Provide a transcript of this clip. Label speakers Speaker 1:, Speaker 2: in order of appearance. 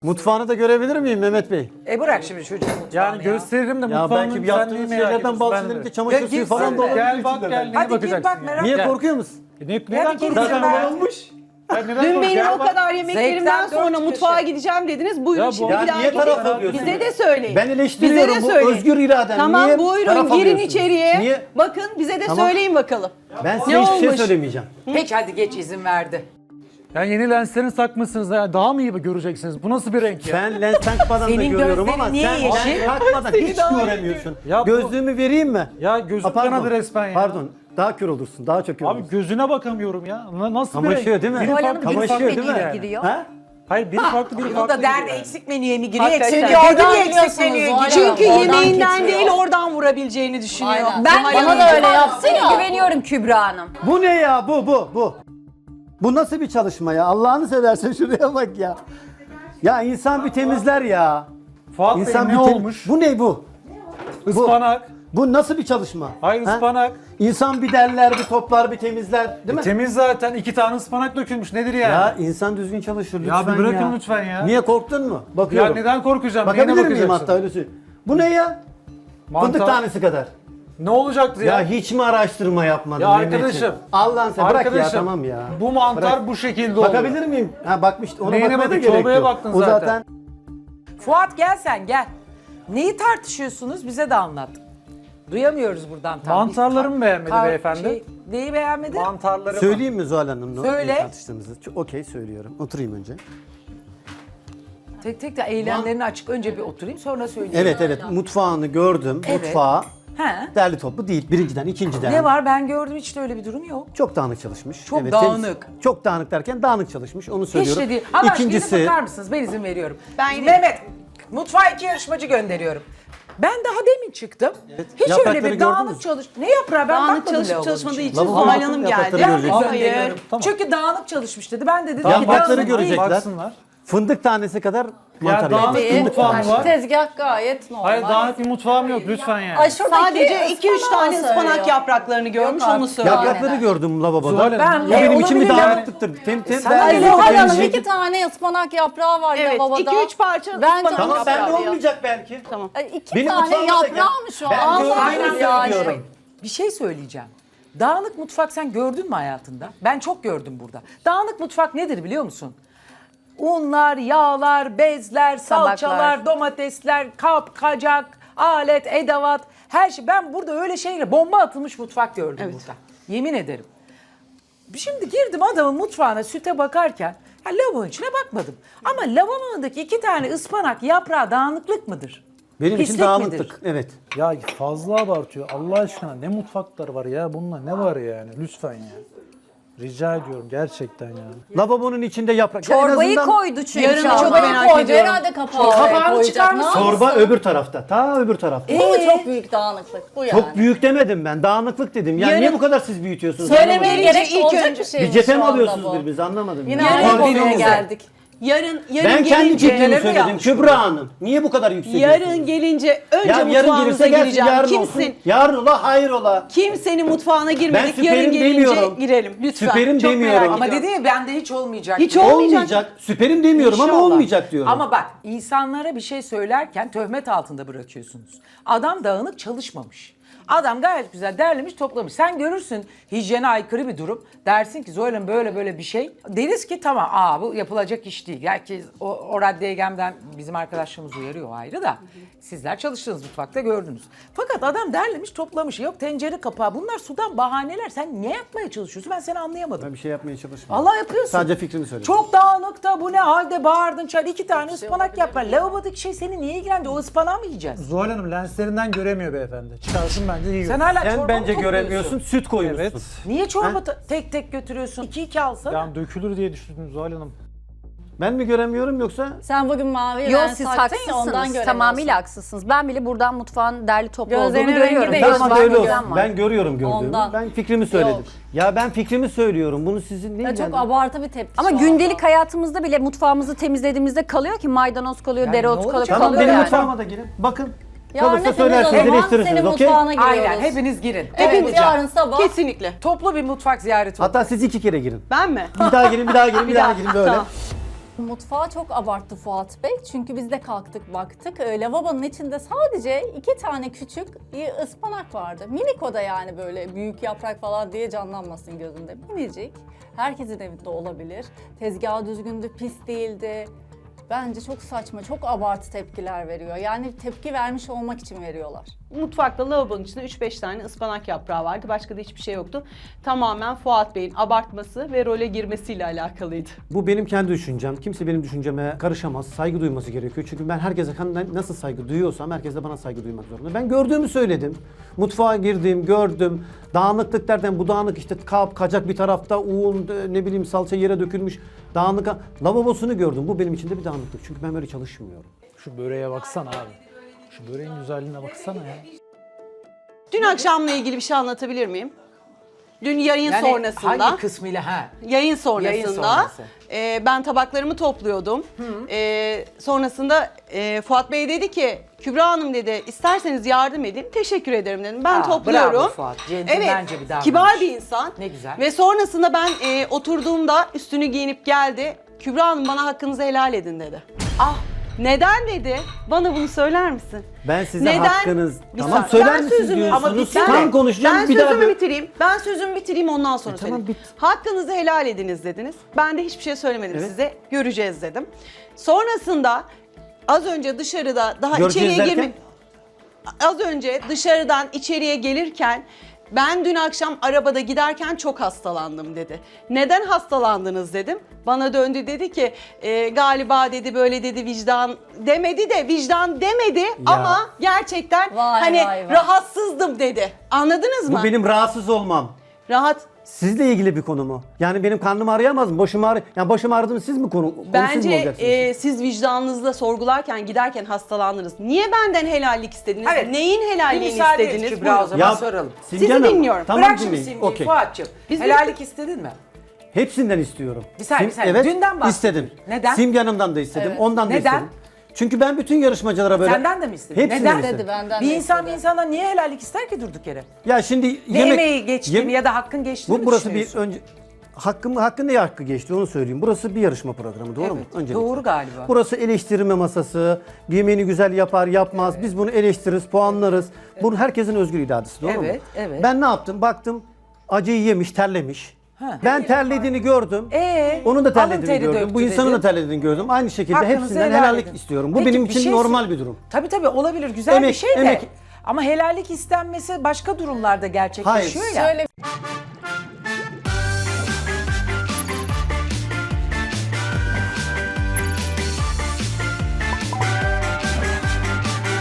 Speaker 1: Mutfağını da görebilir miyim Mehmet Bey?
Speaker 2: Bırak şimdi çocuğun mutfağını
Speaker 3: Yani gösteririm de
Speaker 1: Ya
Speaker 3: mutfağımın
Speaker 1: belki
Speaker 3: güzelliğini
Speaker 1: yaptığınız
Speaker 3: merak
Speaker 1: şeylerden
Speaker 3: ediyorsun.
Speaker 1: bahsedelim çamaşır
Speaker 2: Gel,
Speaker 1: suyu
Speaker 2: git
Speaker 1: falan
Speaker 2: sen
Speaker 1: da
Speaker 2: de.
Speaker 1: olabilir.
Speaker 3: Gel bak gel neye
Speaker 2: Hadi gir
Speaker 3: bakacaksın
Speaker 2: bak
Speaker 3: ya?
Speaker 2: merak
Speaker 1: Niye
Speaker 2: etme.
Speaker 1: korkuyor musun?
Speaker 3: Neden
Speaker 2: gir,
Speaker 3: korkuyorsun?
Speaker 2: gir, ben-
Speaker 1: olmuş.
Speaker 3: Ya neden
Speaker 4: Dün
Speaker 3: korkuyorsun?
Speaker 4: benim
Speaker 3: Gel
Speaker 4: o
Speaker 3: bak.
Speaker 4: kadar yemeklerimden
Speaker 2: Zevkten
Speaker 4: sonra
Speaker 2: dört
Speaker 4: mutfağa
Speaker 2: köşe.
Speaker 4: gideceğim dediniz. Buyurun
Speaker 3: Ya bu-
Speaker 4: şimdi
Speaker 1: Ya
Speaker 4: bir daha
Speaker 1: niye
Speaker 4: gidin.
Speaker 1: taraf alıyorsun?
Speaker 4: Bize de söyleyin.
Speaker 1: Ben eleştiriyorum,
Speaker 4: Bize de
Speaker 1: bu
Speaker 4: söyleyin.
Speaker 1: özgür iraden.
Speaker 4: Tamam
Speaker 1: Niye
Speaker 4: buyurun
Speaker 1: taraf
Speaker 4: girin
Speaker 1: alıyorsunuz?
Speaker 4: içeriye.
Speaker 1: Niye?
Speaker 4: Bakın bize de
Speaker 1: Tamam.
Speaker 4: söyleyin bakalım.
Speaker 1: Ben size
Speaker 4: Ne
Speaker 1: hiçbir şey
Speaker 4: olmuş?
Speaker 1: söylemeyeceğim.
Speaker 2: Peki hadi geç izin verdi.
Speaker 3: Yani yeni lenslerini takmışsınız ya daha mı iyi göreceksiniz? Bu nasıl bir renk ya?
Speaker 1: Ben lens takmadan da
Speaker 2: Senin
Speaker 1: görüyorum ama
Speaker 2: gözlerin
Speaker 1: sen
Speaker 2: niye yeşil?
Speaker 1: lens takmadan hiç
Speaker 4: daha iyi
Speaker 1: göremiyorsun.
Speaker 3: Ya bu-
Speaker 1: Gözlüğümü vereyim mi?
Speaker 3: Ya gözüm
Speaker 1: Ha, pardon.
Speaker 3: kanadı resmen ya.
Speaker 1: Pardon. Daha kör olursun. Daha çok kör
Speaker 3: Abi
Speaker 1: olursun.
Speaker 3: gözüne bakamıyorum ya. Nasıl bir
Speaker 1: Kamaşıyor
Speaker 3: renk?
Speaker 1: değil mi?
Speaker 3: Biri
Speaker 5: Zuhal
Speaker 3: farklı,
Speaker 5: Hanım
Speaker 3: biri
Speaker 5: bir
Speaker 3: farklı
Speaker 1: Kamaşıyor değil
Speaker 5: menüye
Speaker 1: mi?
Speaker 5: giriyor.
Speaker 1: Ha?
Speaker 3: Hayır biri farklı, biri
Speaker 2: Bu
Speaker 3: farklı.
Speaker 2: da derdi
Speaker 3: giriyor yani.
Speaker 2: eksik menüye mi giriyor?
Speaker 4: Hakikaten.
Speaker 2: Eksik
Speaker 5: Çünkü
Speaker 2: gördü
Speaker 5: oradan
Speaker 2: mü eksik
Speaker 5: biliyorsunuz
Speaker 2: menüye
Speaker 5: Zuhal
Speaker 2: giriyor?
Speaker 5: Hanım.
Speaker 4: Çünkü
Speaker 5: Oradan
Speaker 4: yemeğinden
Speaker 5: kesiyor.
Speaker 4: değil oradan vurabileceğini düşünüyor.
Speaker 5: Aynen.
Speaker 4: Zuhal
Speaker 5: Bana
Speaker 4: Hanım.
Speaker 5: da öyle yapsın ya. Güveniyorum Kübra Hanım.
Speaker 1: Bu ne ya? Bu. Bu nasıl bir çalışma ya? Allah'ını seversen şuraya bak ya. Ya insan bir temizler ya.
Speaker 3: Fuat Bey
Speaker 1: İnsan
Speaker 3: ne
Speaker 1: bir
Speaker 3: olmuş?
Speaker 1: Bu ne bu?
Speaker 3: Ispanak.
Speaker 1: Bu nasıl bir çalışma?
Speaker 3: Hayır
Speaker 1: Ha?
Speaker 3: ıspanak.
Speaker 1: İnsan bir derler, bir toplar, bir temizler, değil mi?
Speaker 3: Temiz zaten 2 tane ıspanak dökülmüş nedir yani?
Speaker 1: Ya insan düzgün çalışır lütfen
Speaker 3: Ya bir bırakın lütfen ya.
Speaker 1: Niye korktun mu?
Speaker 3: Ya
Speaker 1: Bakıyorum.
Speaker 3: neden korkacağım?
Speaker 1: Bakabilir
Speaker 3: Neyine
Speaker 1: miyim
Speaker 3: bakacaksın?
Speaker 1: hatta öyle söyleyeyim. Bu ne ya?
Speaker 3: Mantar.
Speaker 1: Fındık tanesi kadar.
Speaker 3: Ne olacaktı
Speaker 1: Ya
Speaker 3: ya?
Speaker 1: hiç mi araştırma yapmadın
Speaker 3: Ya
Speaker 1: Mehmetciğim?
Speaker 3: arkadaşım.
Speaker 1: Allah'ın sen bırak ya
Speaker 3: Arkadaşım,
Speaker 1: tamam ya.
Speaker 3: Bu mantar
Speaker 1: Bırak.
Speaker 3: bu şekilde oluyor.
Speaker 1: Bakabilir miyim? Ha bakmış ona
Speaker 3: Neyine
Speaker 1: bakmaya da
Speaker 3: bakın?
Speaker 1: gerek
Speaker 3: Çorbaya
Speaker 1: yok.
Speaker 3: baktın
Speaker 1: O
Speaker 3: zaten.
Speaker 1: zaten
Speaker 2: Fuat gel sen gel. Neyi tartışıyorsunuz bize de anlat. Duyamıyoruz buradan tam.
Speaker 3: Mantarlarımı beğenmedi beyefendi.
Speaker 2: Neyi beğenmedi?
Speaker 3: Mantarlarımı.
Speaker 1: söyleyeyim mi Zuhal Hanım?
Speaker 2: Söyle.
Speaker 1: Tartıştığımızı. Okey söylüyorum. Oturayım önce.
Speaker 2: Tek tek de eylemlerini açık. Önce bir oturayım sonra söyleyeyim.
Speaker 1: Evet mutfağını gördüm.
Speaker 2: Evet.
Speaker 1: Mutfağı
Speaker 2: He.
Speaker 1: derli toplu değil. Birinciden, ikinciden.
Speaker 2: Ne var ben gördüm hiç de öyle bir durum yok.
Speaker 1: Çok dağınık çalışmış.
Speaker 2: Çok
Speaker 1: temiz.
Speaker 2: dağınık.
Speaker 1: Çok dağınık derken dağınık çalışmış. Onu söylüyorum.
Speaker 2: Hiç de değil. Allah aşkına
Speaker 1: İkincisi
Speaker 2: gidip bakar mısınız? Ben izin veriyorum.
Speaker 4: Ben yine-
Speaker 2: Mehmet, mutfağa 2 yarışmacı gönderiyorum. Ben daha demin çıktım. Hiç
Speaker 1: Yaprakları
Speaker 2: öyle bir
Speaker 1: gördünüz mü?
Speaker 2: dağınık çalış... Ne yaprağı? Ben
Speaker 4: Dağınık
Speaker 2: bakmadım
Speaker 4: çalışıp
Speaker 2: lavabonun
Speaker 4: çalışmadığı
Speaker 2: içine.
Speaker 4: için
Speaker 1: Lavabo
Speaker 4: Zuhal
Speaker 1: bakın,
Speaker 4: Hanım
Speaker 1: yaprakları
Speaker 4: geldi.
Speaker 1: görecekler.
Speaker 2: Gönderiyorum.
Speaker 3: Tamam.
Speaker 2: Çünkü dağınık çalışmış dedi. Ben de dedim ki
Speaker 1: Yaprakları
Speaker 2: dağınık değil.
Speaker 1: görecekler.
Speaker 3: Baksınlar.
Speaker 1: fındık tanesi kadar mantar
Speaker 3: dağınık
Speaker 1: yapmış.
Speaker 3: bir
Speaker 5: Değil.
Speaker 3: mutfağım var.
Speaker 5: Tezgah gayet normal.
Speaker 3: Hayır dağınık bir mutfağım yok lütfen yani.
Speaker 5: Ay şuradaki
Speaker 4: Sadece 2-3 tane
Speaker 5: ıspanağı
Speaker 4: ıspanak
Speaker 5: söylüyor.
Speaker 4: yapraklarını görmüş onu
Speaker 5: artık.
Speaker 4: söylüyor.
Speaker 1: Yaprakları gördüm lavaboda.
Speaker 3: Zuhal Hanım,
Speaker 1: O benim için bir
Speaker 2: olabilir yani.
Speaker 1: dağınıklıktır.
Speaker 2: Sana
Speaker 1: ben
Speaker 2: öyle
Speaker 1: de
Speaker 5: Zuhal Hanım
Speaker 1: temizlik-
Speaker 5: 2 tane ıspanak yaprağı var
Speaker 4: Evet,
Speaker 5: lavabada.
Speaker 4: 2-3 parça
Speaker 5: Bence
Speaker 4: ıspanak
Speaker 1: Tamam ben de
Speaker 4: yaprağı.
Speaker 1: olmayacak belki.
Speaker 5: Ay, 2
Speaker 1: Benim
Speaker 5: tane
Speaker 1: mutfağıma da gel.
Speaker 5: yaprağı mı şu an?
Speaker 1: Ben
Speaker 5: Allah
Speaker 1: gördüğümü
Speaker 5: yani.
Speaker 1: söylüyorum.
Speaker 2: Bir şey söyleyeceğim. Dağınık mutfak sen gördün mü hayatında? Ben çok gördüm burada. Dağınık mutfak nedir biliyor musun? Unlar, yağlar, bezler, salçalar, domatesler, kap, kacak, alet, edevat, her şey. Ben burada öyle şeyle bomba atılmış mutfak gördüm burada. Yemin ederim. Şimdi girdim adamın mutfağına süte bakarken ya lavabonun içine bakmadım. Ama lavabondaki 2 tane ıspanak yaprağı dağınıklık mıdır?
Speaker 1: Benim için
Speaker 2: Pislik
Speaker 1: dağınıklık.
Speaker 2: midir?
Speaker 1: Evet.
Speaker 3: Ya fazla abartıyor. Allah aşkına ne mutfaklar var ya bununla ne var yani lütfen ya. Rica ediyorum gerçekten ya.
Speaker 1: Lavabonun içinde yaprak. Ya en
Speaker 5: Çorbayı
Speaker 1: azından
Speaker 5: koydu çünkü.
Speaker 4: Yarın çok
Speaker 5: Çorbayı
Speaker 4: merak
Speaker 5: koydu.
Speaker 4: ediyorum.
Speaker 5: Herhalde kapağı
Speaker 2: Kapağını
Speaker 5: koyacak.
Speaker 2: çıkar
Speaker 5: Ne
Speaker 2: mısın?
Speaker 5: yapsın?
Speaker 1: Çorba öbür tarafta. Ta öbür tarafta.
Speaker 5: Bu mu çok büyük dağınıklık? Bu yani.
Speaker 1: Çok büyük demedim ben. Dağınıklık dedim. Ya
Speaker 4: Yarın-
Speaker 1: niye bu kadar siz büyütüyorsunuz?
Speaker 5: Söylemeye
Speaker 1: Anlamadım.
Speaker 5: gerek
Speaker 4: ilk
Speaker 5: olacak
Speaker 4: önce-
Speaker 5: bir şey
Speaker 1: Bir
Speaker 5: mi
Speaker 1: cephe
Speaker 5: şu
Speaker 1: mi
Speaker 5: anda
Speaker 1: alıyorsunuz
Speaker 5: bu?
Speaker 1: birbirinizi anlamadım.
Speaker 5: Yine
Speaker 1: ya.
Speaker 5: aynı
Speaker 1: Pardon.
Speaker 5: konuya geldik.
Speaker 4: Yarın
Speaker 1: Ben kendi
Speaker 4: gelince,
Speaker 1: fikrimi
Speaker 2: mi
Speaker 1: söyledim.
Speaker 2: yanlış
Speaker 1: Kübra Hanım. Niye bu kadar yükseliyorsunuz?
Speaker 4: yarın gelince önce
Speaker 1: Ya yarın
Speaker 4: mutfağınıza
Speaker 1: gelirse gelsin
Speaker 4: gireceğim.
Speaker 1: yarın
Speaker 4: Kimsin?
Speaker 1: olsun. Yarın ola hayır ola.
Speaker 4: Kimsenin mutfağına girmedik.
Speaker 1: Ben
Speaker 4: Yarın
Speaker 1: süperim
Speaker 4: gelince
Speaker 1: demiyorum.
Speaker 4: girelim lütfen.
Speaker 1: Süperim
Speaker 4: Çok
Speaker 1: demiyorum.
Speaker 4: merak
Speaker 2: Ama
Speaker 4: ediyorum.
Speaker 2: dedi ya bende hiç olmayacak.
Speaker 4: Hiç
Speaker 2: diyor.
Speaker 1: Olmayacak. Süperim demiyorum ama
Speaker 2: İnşallah.
Speaker 1: olmayacak diyorum.
Speaker 2: Ama bak insanlara bir şey söylerken töhmet altında bırakıyorsunuz. Adam dağınık çalışmamış. Adam gayet güzel derlemiş toplamış. Sen görürsün hijyene aykırı bir durum. Dersin ki Zoyla böyle böyle bir şey. Deriz ki tamam bu yapılacak iş değil. Herkes o raddeye gelmeden bizim arkadaşlarımız uyarıyor o ayrı da. Sizler çalıştığınız mutfakta gördünüz. Fakat adam derlemiş toplamış. Yok tencere kapağı bunlar sudan bahaneler. Sen ne yapmaya çalışıyorsun ben seni anlayamadım.
Speaker 1: Ben bir şey yapmaya çalışmıyorum.
Speaker 2: Allah yapıyorsun.
Speaker 1: Sadece fikrimi söyledim.
Speaker 2: Çok dağınık da bu ne halde bağırdın çay 2 tane ıspanak yap. Lavabodaki şey seni niye ilgilendi? O ıspanağı mı yiyeceğiz?
Speaker 3: Zuhal Hanım lenslerinden göremiyor beyefendi. Çıkarsın bence yiyor.
Speaker 2: Sen hala
Speaker 1: Sen
Speaker 2: çorba
Speaker 1: bence
Speaker 2: mı topluyorsun?
Speaker 1: göremiyorsun. Süt koymuşsun.
Speaker 3: Evet.
Speaker 2: Niye çorba tek tek götürüyorsun? 2-2 alsana.
Speaker 3: Yani dökülür diye düşündüm Zuhal Hanım.
Speaker 1: Ben mi göremiyorum yoksa?
Speaker 5: Sen bugün mavi
Speaker 6: Yok
Speaker 5: lens
Speaker 6: siz
Speaker 5: taktın ya ondan
Speaker 6: haksızsınız.
Speaker 5: göremiyorsun.
Speaker 6: Tamamıyla haksızsınız. Ben bile buradan mutfağın derli toplu
Speaker 5: Gözlerinin
Speaker 6: olduğunu
Speaker 5: rengi
Speaker 6: görüyorum.
Speaker 5: de
Speaker 6: Göz
Speaker 1: Tamam
Speaker 6: var,
Speaker 1: öyle olsun.
Speaker 6: gözlem var.
Speaker 1: Ben görüyorum gördüğümü.
Speaker 5: Ondan.
Speaker 1: Ben fikrimi söyledim.
Speaker 5: Yok.
Speaker 1: Ya ben fikrimi söylüyorum. Bunu sizin ne
Speaker 5: Ya çok
Speaker 1: ilgilendirir?
Speaker 5: abartı bir tepki
Speaker 6: Ama
Speaker 5: şu an.
Speaker 6: gündelik hayatımızda bile mutfağımızı temizlediğimizde kalıyor ki maydanoz kalıyor,
Speaker 2: Yani ne
Speaker 6: dereotu
Speaker 2: olacak?
Speaker 6: kalıyor,
Speaker 1: Tamam benim
Speaker 6: yani.
Speaker 1: mutfağıma da girin. Bakın.
Speaker 5: Yarın
Speaker 1: Kalırsa
Speaker 5: hepimiz o
Speaker 1: söylersiniz,
Speaker 5: zaman
Speaker 1: eleştirirsiniz.
Speaker 5: senin
Speaker 1: Okey?
Speaker 5: mutfağına giriyoruz.
Speaker 2: Aynen hepiniz girin.
Speaker 5: Hepimiz
Speaker 2: Evet.
Speaker 5: yarın sabah.
Speaker 4: Kesinlikle.
Speaker 2: Toplu bir mutfak ziyareti oldu.
Speaker 1: Hatta siz 2 kere girin.
Speaker 4: Ben mi?
Speaker 1: Bir daha girin, bir daha girin, bir daha girin böyle.
Speaker 4: Tamam.
Speaker 5: Mutfağı çok abarttı Fuat Bey. Çünkü biz de kalktık baktık. Lavabonun içinde sadece 2 tane küçük ıspanak vardı. Minik o da yani böyle büyük yaprak falan diye canlanmasın gözünde. Minicik. Herkesin evinde olabilir. Tezgahı düzgündü, pis değildi. Bence çok saçma, çok abartı tepkiler veriyor. Yani tepki vermiş olmak için veriyorlar.
Speaker 4: Mutfakta lavabonun içinde 3-5 tane ıspanak yaprağı vardı. Başka da hiçbir şey yoktu. Tamamen Fuat Bey'in abartması ve role girmesiyle alakalıydı.
Speaker 1: Bu benim kendi düşüncem. Kimse benim düşünceme karışamaz. Saygı duyması gerekiyor. Çünkü ben herkese nasıl saygı duyuyorsam herkes de bana saygı duymak zorunda. Ben gördüğümü söyledim. Mutfağa girdim, gördüm. Dağınıklık derken bu dağınık işte kap, kacak bir tarafta, un, ne bileyim salça yere dökülmüş. Dağınık. Lavabosunu gördüm. Bu benim için de bir dağınıklık. Çünkü ben böyle çalışmıyorum.
Speaker 3: Şu böreğe baksana abi. Şu böreğin güzelliğine baksana ya.
Speaker 4: Dün akşamla ilgili bir şey anlatabilir miyim? Dün yayın
Speaker 2: Yani
Speaker 4: sonrasında.
Speaker 2: hangi kısmıyla ha?
Speaker 4: Yayın sonrasında
Speaker 2: Yayın sonrası.
Speaker 4: Ben tabaklarımı topluyordum. Sonrasında Fuat Bey dedi ki, Kübra Hanım dedi, isterseniz yardım edin. Teşekkür ederim dedim. Ben
Speaker 2: Aa,
Speaker 4: topluyorum.
Speaker 2: bravo Fuat, centilmence bir davranış.
Speaker 4: kibar bir insan.
Speaker 2: Ne güzel.
Speaker 4: Ve sonrasında ben oturduğumda üstünü giyinip geldi. Kübra Hanım bana hakkınızı helal edin dedi.
Speaker 2: Ah,
Speaker 4: Neden dedi? Bana bunu söyler misin?
Speaker 1: Ben size
Speaker 4: Neden?
Speaker 1: hakkınız...
Speaker 4: Bir
Speaker 1: Tamam
Speaker 4: saniye.
Speaker 1: söyler
Speaker 4: Ben
Speaker 1: misiniz
Speaker 4: sözümü- ama
Speaker 1: diyorsunuz.
Speaker 4: bir saniye.
Speaker 1: Tam konuşacağım
Speaker 4: Ben
Speaker 1: bir daha...
Speaker 4: sözümü bitireyim. Ben sözümü bitireyim ondan sonra
Speaker 1: tamam,
Speaker 4: söyleyeyim.
Speaker 1: bit.
Speaker 4: Hakkınızı helal ediniz dediniz. Ben de hiçbir şey söylemedim
Speaker 1: Evet.
Speaker 4: size. Göreceğiz dedim. Sonrasında az önce dışarıda daha
Speaker 1: Göreceğiz
Speaker 4: içeriye
Speaker 1: derken?
Speaker 4: Az önce dışarıdan içeriye gelirken ben dün akşam arabada giderken çok hastalandım dedi. Neden hastalandınız dedim. Bana döndü dedi ki galiba dedi böyle dedi vicdan demedi de vicdan demedi ama gerçekten
Speaker 5: Vay,
Speaker 4: hani
Speaker 5: vay, vay.
Speaker 4: rahatsızdım dedi. Anladınız mı?
Speaker 1: Bu benim rahatsız olmam.
Speaker 4: Rahat.
Speaker 1: Sizle ilgili bir konu mu? Yani benim karnım ağrıyamaz mı? Başım ağrı... Yani başım ağrıdı mı siz mi siz mi
Speaker 4: Bence
Speaker 1: olacaksınız?
Speaker 4: siz vicdanınızla sorgularken giderken hastalandınız. Niye benden helallik istediniz?
Speaker 2: Evet.
Speaker 4: Neyin
Speaker 2: bir
Speaker 4: helalliğini
Speaker 2: müsaade et
Speaker 4: istediniz?
Speaker 2: Kübra
Speaker 4: Buyurun.
Speaker 2: o zaman soralım.
Speaker 1: Simge
Speaker 4: Sizi
Speaker 1: Hanım,
Speaker 4: dinliyorum.
Speaker 1: Tamam
Speaker 2: Bırak şimdi
Speaker 1: dinleyin.
Speaker 2: Simge'yi
Speaker 1: Okey.
Speaker 2: Fuat'cığım.
Speaker 4: Biz
Speaker 2: Helallik istedin mi?
Speaker 1: Hepsinden istiyorum.
Speaker 2: Bir saniye, bir saniye.
Speaker 1: Evet,
Speaker 2: Dünden bahsediyorum.
Speaker 1: istedim.
Speaker 2: Neden?
Speaker 1: Simge Hanım'dan da istedim, ondan da
Speaker 2: Neden?
Speaker 1: istedim. Çünkü ben bütün yarışmacılara böyle...
Speaker 2: Senden de mi istedin?
Speaker 1: Hepsinden
Speaker 2: Neden?
Speaker 1: istedim.
Speaker 5: Dedi benden
Speaker 2: Bir
Speaker 5: de
Speaker 2: insan
Speaker 5: istedi.
Speaker 2: bir insandan niye helallik ister ki durduk yere?
Speaker 1: Ya şimdi
Speaker 2: Ne emeği geçti mi ya da hakkın geçti mi
Speaker 1: burası bir
Speaker 2: düşünüyorsun?
Speaker 1: önce... Hakkın ne hakkı geçti onu söyleyeyim. Burası bir yarışma programı doğru mu?
Speaker 2: Evet,
Speaker 1: Öncelikle.
Speaker 2: doğru galiba.
Speaker 1: Burası eleştirme masası. Yemeğini güzel yapar yapmaz. Biz bunu eleştiririz, puanlarız. Bu herkesin özgür iradesi doğru mu?
Speaker 2: Evet, evet.
Speaker 1: Ben ne yaptım? Baktım acıyı yemiş, terlemiş.
Speaker 2: Ha.
Speaker 1: Ben terlediğini gördüm. Onun da
Speaker 2: alın
Speaker 1: terlediğini
Speaker 2: teri
Speaker 1: gördüm.
Speaker 2: döktü
Speaker 1: Bu insanın
Speaker 2: dedin.
Speaker 1: da terlediğini gördüm. Aynı şekilde
Speaker 2: Hakkınızı
Speaker 1: hepsinden
Speaker 2: helal
Speaker 1: helallik
Speaker 2: edin.
Speaker 1: istiyorum. Bu
Speaker 2: Peki,
Speaker 1: benim
Speaker 2: bir
Speaker 1: için
Speaker 2: şey
Speaker 1: normal bir durum.
Speaker 2: Tabii olabilir güzel bir
Speaker 1: Emek,
Speaker 2: şey de.
Speaker 1: emek.
Speaker 2: Ama helallik istenmesi başka durumlarda gerçekleşiyor
Speaker 1: Hayır.
Speaker 2: ya.
Speaker 5: Şöyle